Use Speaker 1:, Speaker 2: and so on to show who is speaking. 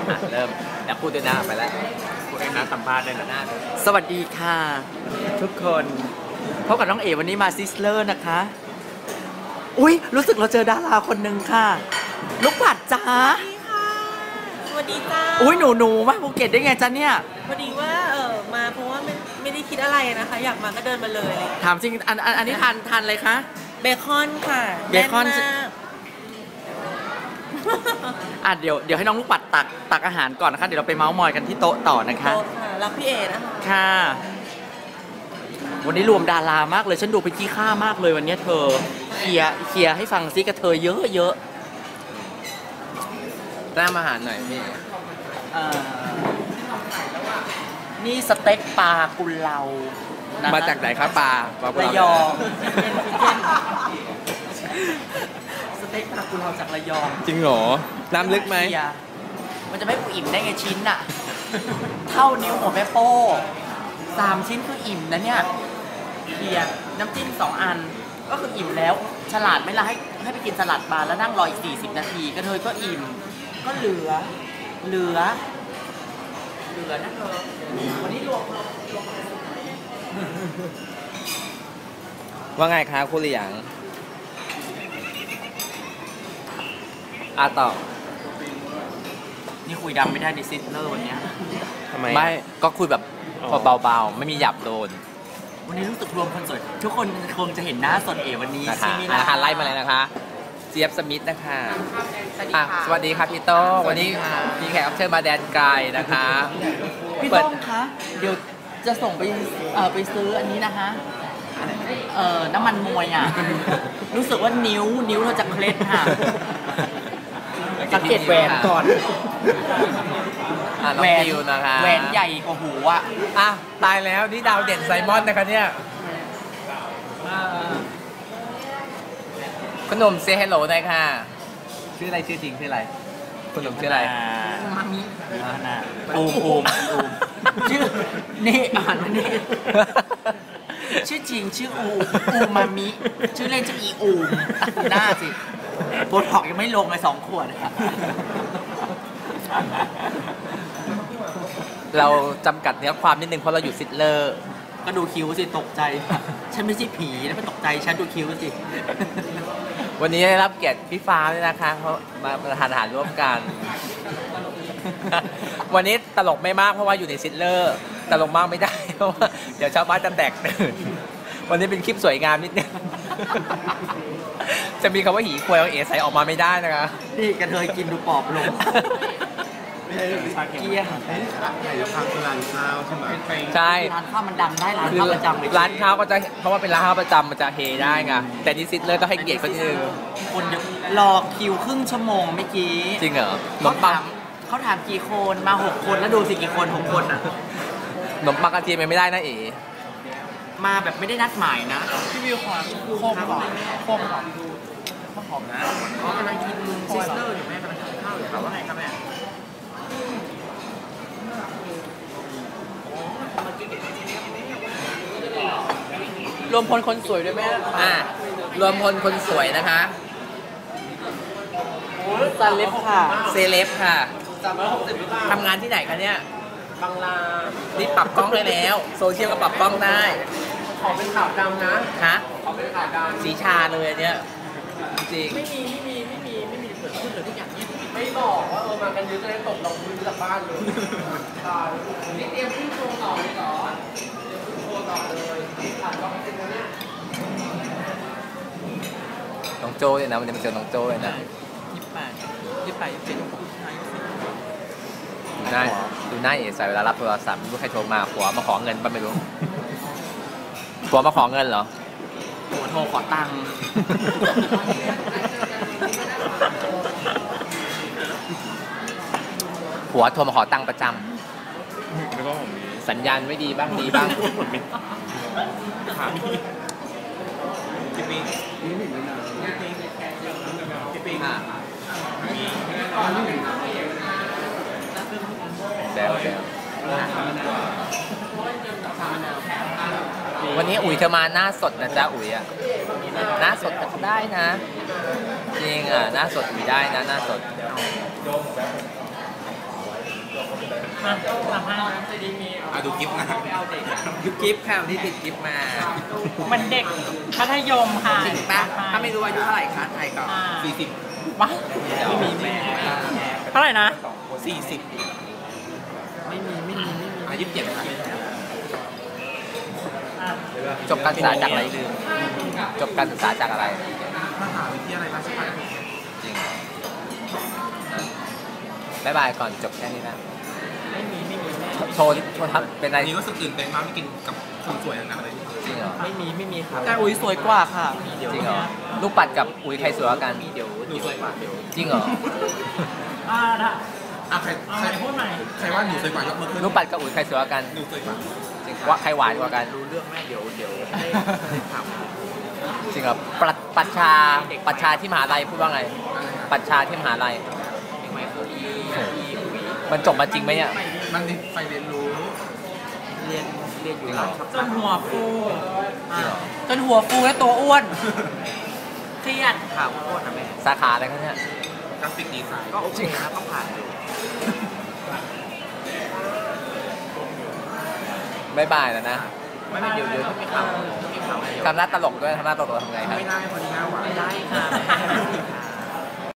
Speaker 1: เริ่มแล้วพูดด้วยนะไปแล้วพูดด้วยนะสัมภาษณ์ด้วยนะสวัสดีค่ะทุกคนพบกับน้องเอ๋วันนี้มาซิสเลอร์นะคะอุ๊ยรู้สึกเราเจอดาราคนหนึ่งค่ะลูกปัดจ้า
Speaker 2: สวัสดีจ้า
Speaker 1: อุ๊ยหนูมาภูเก็ตได้ไงจ๊ะเนี่ย
Speaker 2: พอดีว่ามาเพราะว่าไม่ได้คิดอะไรนะคะอยากมาก็เดินมาเลย
Speaker 1: ถามจริงอันนี้ทานอะไรคะ
Speaker 2: เบคอนค่ะ
Speaker 1: เบคอนเดี๋ยวให้น้องลูกปัดตักอาหารก่อนนะคะเดี๋ยวเราไปเมาส์มอยกันที่โต๊ะต่อนะคะ
Speaker 2: โต๊ะค่ะรับพี่เอนะคะ
Speaker 1: ค่ะวันนี้รวมดารามากเลยฉันดูเป็นขี้ข้ามากเลยวันนี้เธอเคลียร์ให้ฟังซิกระเธอเยอะแนะนำอาหารหน่อยพี่นี่สเต็กปลากุเลามาจากไหนครับปลาระยองสเต็กปลากุเลาจากระยองจริงเหรอน้ำลึกไหมมันจะไม่อิ่มได้ไงชิ้นอะเท่านิ้วหัวแม่โป้3 ชิ้นคืออิ่มนะเนี่ยเบียร์น้ำจิ้ม2 อันก็คืออิ่มแล้วฉลาดไหมล่ะให้ไปกินสลัดบาร์แล้วนั่งรออีก40 นาทีก็เธอก็อิ่มก็เหลือนะเธอวันนี้รวมว่าไงคะคุณเหลียงต่อนี่คุยดังไม่ได้ในซิสเลอร์วันนี้ทำไมไม่ก็คุยแบบเบาๆไม่มีหยับโดนวันนี้รู้สึกรวมคนสวยทุกคนคงจะเห็นหน้าสดเอ๋วันนี้ใช่ไหมล่ะไล่มาเลยนะคะเจี๊ยบสมิธนะคะสวัสดีค่ะพี่โต้วันนี้มีแขกรับเชิญมาแดนไกลนะคะพี่โต้คะเดี๋ยวจะส่งไปซื้ออันนี้นะคะน้ำมันมวยอ่ะรู้สึกว่านิ้วเราจะเคล็ดค่ะสังเกตแหวนก่อนแหวนนะคะแหวนใหญ่กว่าหูอ่ะตายแล้วนี่ดาวเด่นไซมอนนะคะเนี่ยขนมเซฮัลโหลหน่อยค่ะชื่ออะไรชื่อจริงชื่ออะไรขนมชื่ออะไรมามิอูมชื่อนี่นี่ชื่อจริงชื่ออูมามิชื่อเล่นชื่ออีอูมหน้าสิโบท็อกยังไม่ลงเลย2 ขวดเราจำกัดเนื้อความนิดนึงเพราะเราอยู่ซิดเลอร์ก็ดูคิ้วสิตกใจฉันไม่ใช่ผีแล้วไม่ตกใจฉันดูคิ้วสิวันนี้ได้รับเกียรติพี่ฟ้าด้วยนะคะเขามาทานอาหารร่วมกันวันนี้ตลกไม่มากเพราะว่าอยู่ในซิดเลอร์ตลกมากไม่ได้เพราะว่าเดี๋ยวชาวบ้านจะแตกตื่นวันนี้เป็นคลิปสวยงามนิดนึงจะมีคำว่าหีควยเอาเอ๋ใส่ออกมาไม่ได้นะคะนี่กระเทยกินดูปอบลงเกี้ย
Speaker 3: ทางร้านข้าวใช่ไหม
Speaker 1: ใช่ร้านข้าวมันดังได้ร้านข้าวประจำเลยร้านข้าวก็จะเพราะว่าเป็นร้านข้าวประจำมันจะเฮได้ไงแต่นี่ซิดเลยต้องให้เกียรติเขาทีนึงคนรอคิวครึ่งชั่วโมงเมื่อกี้จริงเหรอเขาถามกี่คนมา6 คนแล้วดูสิกี่คน6 คนอ่ะขนมปังกระเทียมไม่ได้นะเอ๋มาแบบไม่ได้นัดหมายนะพี่วิวขอโค้งก่อนโค้งก่อนข้าวหอมนะกำลังกินซิสเตอร์อยู่แม่กำลังกินข้าวอยู่แต่ว่าไงครับแม่รวมพลคนสวยด้วยแม่รวมพลคนสวยนะคะเซเลบค่ะเซเลบค่ะทำงานที่ไหนคะเนี่ยบางลานี่ปรับกล้องได้แล้วโซเชียลก็ปรับกล้องได้ขอเป็นขาวดำนะฮะขอเป็นขาวดำสีชาเลยเนี่ยจริงไม่มีเกิดขึ้นเลยทุกอย่างไม่บอกว่ามากันเยอะจะได้ตกลงพื้นจากบ้านเลยนี่เตรียมขึ้นโชว์ต่อเลยเหรอโชว์ต่อเลยน้องโจ้เลยนะวันนี้มาเจอน้องโจ้เลยนะ28 ดูหน้าเอ๋ใส่เวลารับโทรศัพท์ไม่รู้ใครโทรมาผัวมาขอเงินป่ะไม่รู้ผัวมาขอเงินเหรอผัวโทรขอตังค์ผัวโทรมาขอตังค์ประจำสัญญาณไม่ดีบ้างดีบ้างแซววันนี้อุ๋ยเธอมาหน้าสดนะจ๊ะอุ๋ยอ่ะหน้าสดก็ได้นะจริงอ่ะหน้าสดอุ๋ยได้นะหน้าสด
Speaker 2: มาสัมภาษณ์
Speaker 3: ดูกิฟต์นะ
Speaker 1: ยุบกิฟต์ค่ะวันที่ติดกิฟต์มา
Speaker 2: เหมือนเด็กมัธยมค่ะ
Speaker 1: จริงปะถ้าไม่รู้อายุเท่าไหร่คะไทยก่อน
Speaker 2: ว้า
Speaker 1: ไม่มีแม่
Speaker 2: เท่าไหร่นะ
Speaker 1: 40ไม่มีอายุ27ค่ะ
Speaker 2: อ่ะ
Speaker 1: จบการศึกษาจากอะไรลืมจบการศึกษาจากอะไร
Speaker 3: มหาวิทยาลัยราชภัฏ
Speaker 1: จริงบ๊ายบายก่อนจบแค่นี้นะ
Speaker 2: ไม่มีแม่
Speaker 1: โชว์ทำเป็นอะไร
Speaker 3: อันนี้รู้สึกตื่นเต้นมากไม่กินกับคนสวยอย่างนั้นเลย
Speaker 1: จริงเหรอ
Speaker 2: ไม่มีครับ
Speaker 4: แต่อุ้ยสวยกว่าค่ะ
Speaker 1: จริงเหรอลูกปัดกับอุ้ยใครสวยกว่ากัน
Speaker 3: หนูสวยกว่าเดี๋ยว
Speaker 1: จริงเหรอ
Speaker 2: ถ้า
Speaker 3: ใคร
Speaker 2: เอาใหม่พูดใหม่
Speaker 3: ใครว่าหนูสวยกว่ายกมือขึ้น
Speaker 1: ลูกปัดกับอุ้ยใครสวยกว่ากัน
Speaker 3: หนูสวยกว่า
Speaker 1: จริงว่าใครหวานกว่ากัน
Speaker 3: รู้เรื่องแม่เดี๋ยวถาม
Speaker 1: จริงเหรอปัชชาที่มหาลัยพูดว่าไง ปัชชาที่มหาลัยมันจบมาจริงไหมเนี่ย
Speaker 3: มันไปเรียนรู้
Speaker 1: จริงเหรอ
Speaker 2: จนหัวฟู
Speaker 1: จริงเหรอ
Speaker 4: จนหัวฟูและตัวอ้วน
Speaker 2: เครียด
Speaker 1: ข่าวโคตรนะแม่สาขาอะไรครับเนี่ย
Speaker 3: กราฟิกดีไซน์
Speaker 1: ก็โอเคนะก็ผ่านอยู่บ๊ายบายแล้วนะ
Speaker 3: ไม่เดี๋ยวถ้ามีข่าว
Speaker 1: ทำหน้าตลกด้วยทำหน้าตลกทำไงครับ
Speaker 3: ไม่ได้คนนี้หน้าหวาน
Speaker 4: ไม่ได้ค่ะ